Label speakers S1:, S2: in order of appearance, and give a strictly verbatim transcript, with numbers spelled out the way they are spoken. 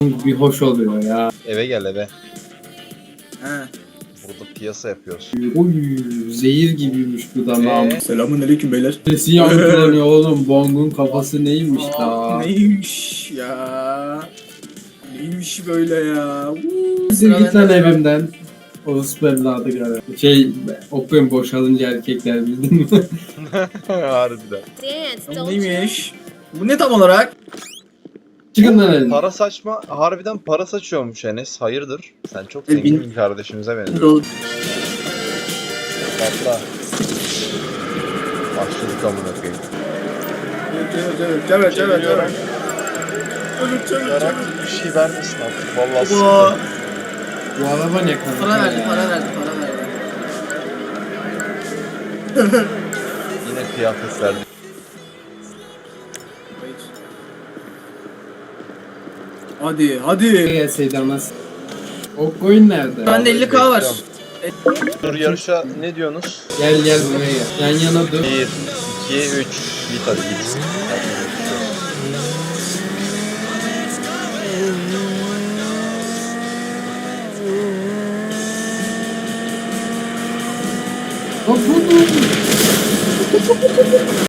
S1: Bir hoş oluyor ya.
S2: Eve gel eve.
S3: He.
S2: Burada piyasa yapıyoruz.
S1: Oy, zehir gibiymiş bu da nam.
S2: Ee?
S3: Selamun aleyküm beyler.
S1: Sesi yankılanıyor oğlum. Bong'un kafası neymiş
S3: Aa,
S1: la?
S3: neymiş ya? Neymiş böyle ya?
S1: Siktir git lan evimden. Orospu evladı gara. Şey, okuyun boşalınca erkekler bildin mi?
S2: Harbiden.
S4: Dance,
S3: Bu
S4: don't you?
S3: neymiş? Bu ne tam olarak?
S1: Çıkın lan elimden.
S2: Para saçma, harbiden para saçıyormuş Enes. Hayırdır? Sen çok
S3: E,
S2: zengin
S3: bin-
S2: bir kardeşimize benziyorsun.
S3: Dolu.
S2: Patla. Başladık amına koyayım.
S3: Evet evet evet evet evet.
S2: Çeviriyorum.
S3: Evet evet
S2: Yarak
S3: evet.
S2: bir şey vermesin artık. Vallahi
S3: Baba.
S2: sıkıntı.
S1: Bu araba ne kanka?
S3: Para verdi
S1: ya?
S3: para verdi para verdi.
S2: Yine kıyafet verdi.
S3: Hadi hadi.
S1: Gelseydi anasını. O coin nerede?
S3: Bende elli k var.
S2: Dur yarışa ne diyorsunuz?
S1: Gel gel buraya gel. Yan yana dur.
S2: bir, iki, üç. Git hadi git.
S1: Bak bu bu.